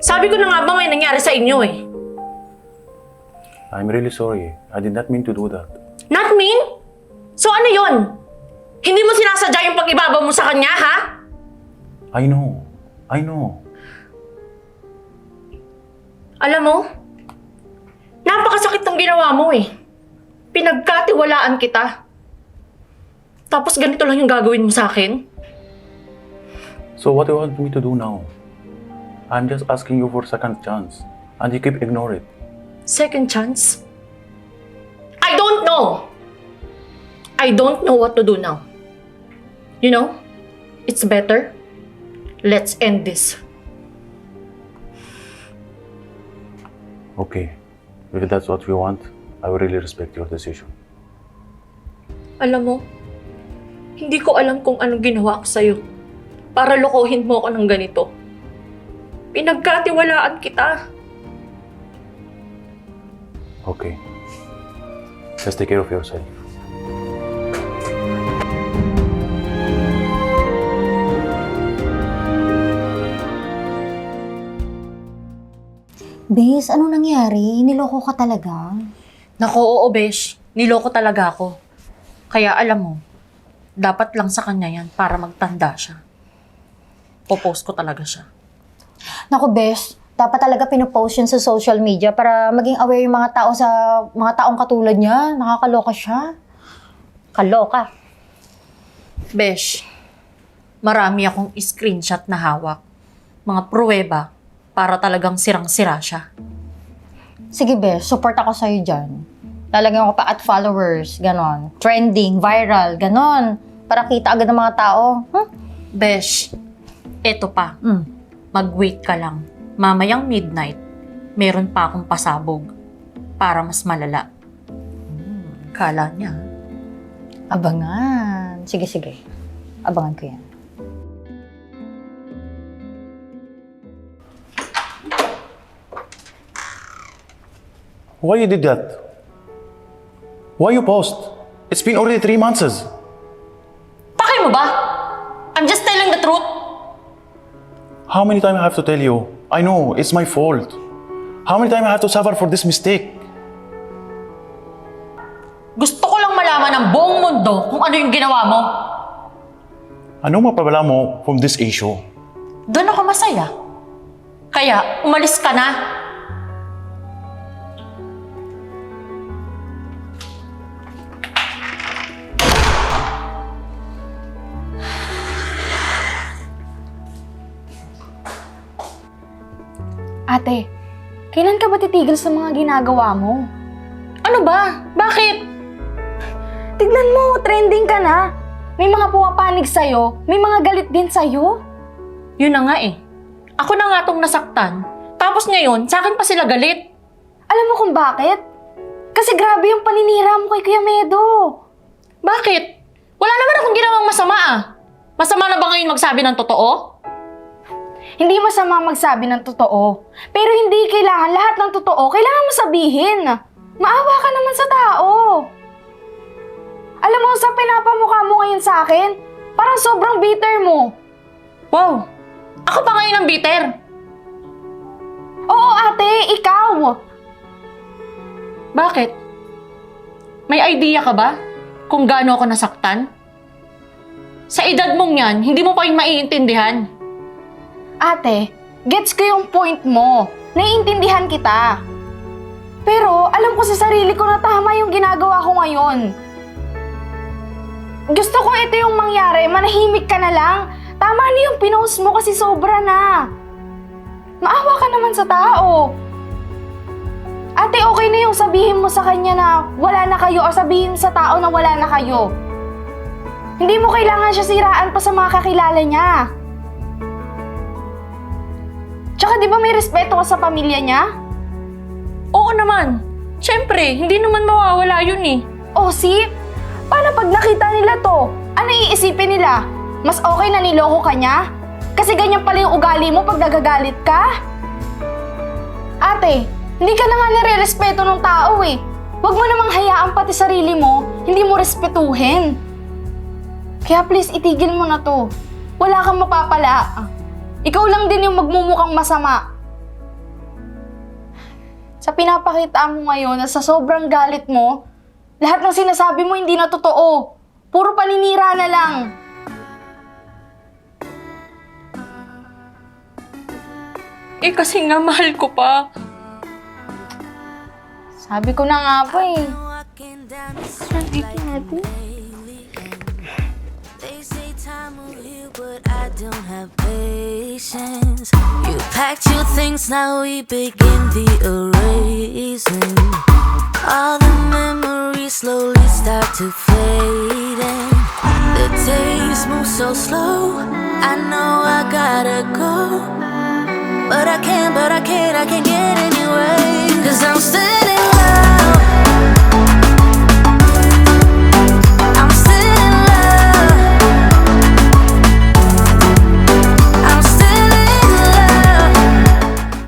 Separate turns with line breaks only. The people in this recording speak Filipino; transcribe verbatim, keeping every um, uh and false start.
Sabi ko na nga ba may nangyari sa inyo eh.
I'm really sorry. I did not mean to do that.
Not mean? So ano yon? Hindi mo sinasadya yung pag-ibabaw mo sa kanya, ha?
I know. I know.
Alam mo, napakasakit ng ginawa mo eh. Pinagkatiwalaan kita. Tapos ganito lang yung gagawin mo sa akin?
So what do you want me to do now? I'm just asking you for second chance. And you keep ignore it.
Second chance? I don't know! I don't know what to do now. You know, it's better. Let's end this.
Okay. If that's what you want, I will really respect your decision.
Alam mo, hindi ko alam kung anong ginawa ko sa'yo para lokohin mo ako ng ganito. Pinagkatiwalaan kita.
Okay. Just take care of yourself.
Bes, anong nangyari? Niloko ka talaga?
Naku, oo, besh. Niloko talaga ako. Kaya alam mo, dapat lang sa kanya yan para magtanda siya. Popost ko talaga siya.
Naku, Bes, dapat talaga pinopost yun sa social media para maging aware yung mga tao sa mga taong katulad niya. Nakakaloka siya. Kaloka.
Besh, marami akong screenshot na hawak. Mga pruweba para talagang sirang-sira siya.
Sige, Bes, support ako sa'yo dyan. Lalagyan ko pa at followers, ganon. Trending, viral, ganon. Para kita agad ng mga tao. Huh?
Besh, eto pa.
Mm.
Mag-wait ka lang. Mamayang midnight, meron pa akong pasabog para mas malala. Hmm, kala niya.
Abangan. Sige, sige. Abangan ko yan.
Why you did that? Why you post? It's been already three months.
Pakay mo ba? I'm just telling the truth.
How many times I have to tell you? I know, it's my fault. How many times I have to suffer for this mistake?
Gusto ko lang malaman ng buong mundo kung ano yung ginawa mo.
Anong mapabala mo from this issue?
Doon ako masaya. Kaya, umalis ka na.
Ate, kailan ka ba titigil sa mga ginagawa mo?
Ano ba? Bakit?
Tignan mo, trending ka na. May mga pumapanig sa'yo, may mga galit din sa'yo.
Yun na nga eh. Ako na nga tong nasaktan. Tapos ngayon, sa akin pa sila galit.
Alam mo kung bakit? Kasi grabe yung paninira mo kay Kuya Medo.
Bakit? Wala naman akong ginawang masama ah. Masama na ba ngayon magsabi ng totoo?
Hindi masama magsabi ng totoo. Pero hindi kailangan lahat ng totoo, kailangan mo sabihin. Maawa ka naman sa tao. Alam mo, sa pinapamukha mo ngayon sa akin, parang sobrang bitter mo.
Wow! Ako pa ngayon ang bitter.
Oo ate, ikaw.
Bakit? May idea ka ba kung gaano ako nasaktan? Sa edad mong yan, hindi mo pa yung maiintindihan.
Ate, gets ko yung point mo. Naiintindihan kita. Pero alam ko sa sarili ko na tama yung ginagawa ko ngayon. Gusto ko ito yung mangyari, manahimik ka na lang. Tama na yung pinost mo kasi sobra na. Maawa ka naman sa tao. Ate, okay na yung sabihin mo sa kanya na wala na kayo o sabihin sa tao na wala na kayo. Hindi mo kailangan siya siraan pa sa mga kakilala niya. Tsaka di ba may respeto ka sa pamilya niya?
Oo naman. Siyempre, hindi naman mawawala yun eh.
Oh, see? Paano pag nakita nila to? Ano iisipin nila? Mas okay na niloko ka niya? Kasi ganyan pala yung ugali mo pag nagagalit ka? Ate, hindi ka na nga nire-respeto ng tao eh. Huwag mo namang hayaan pati sarili mo, hindi mo respetuhin. Kaya please, itigil mo na to. Wala kang mapapala. Ikaw lang din yung magmumukhang masama. sa pinapakita mo ngayon na sa sobrang galit mo, lahat ng sinasabi mo hindi na totoo. Puro paninira na lang.
Eh kasi nga mahal ko pa.
Sabi ko na nga po eh.
They say time will heal, but I don't have patience. You packed your things, now we begin the erasing. All the memories slowly start to fade, and the days move so slow. I know I gotta go, but I can't, but I can't, I can't get anyway. Cause I'm still in love.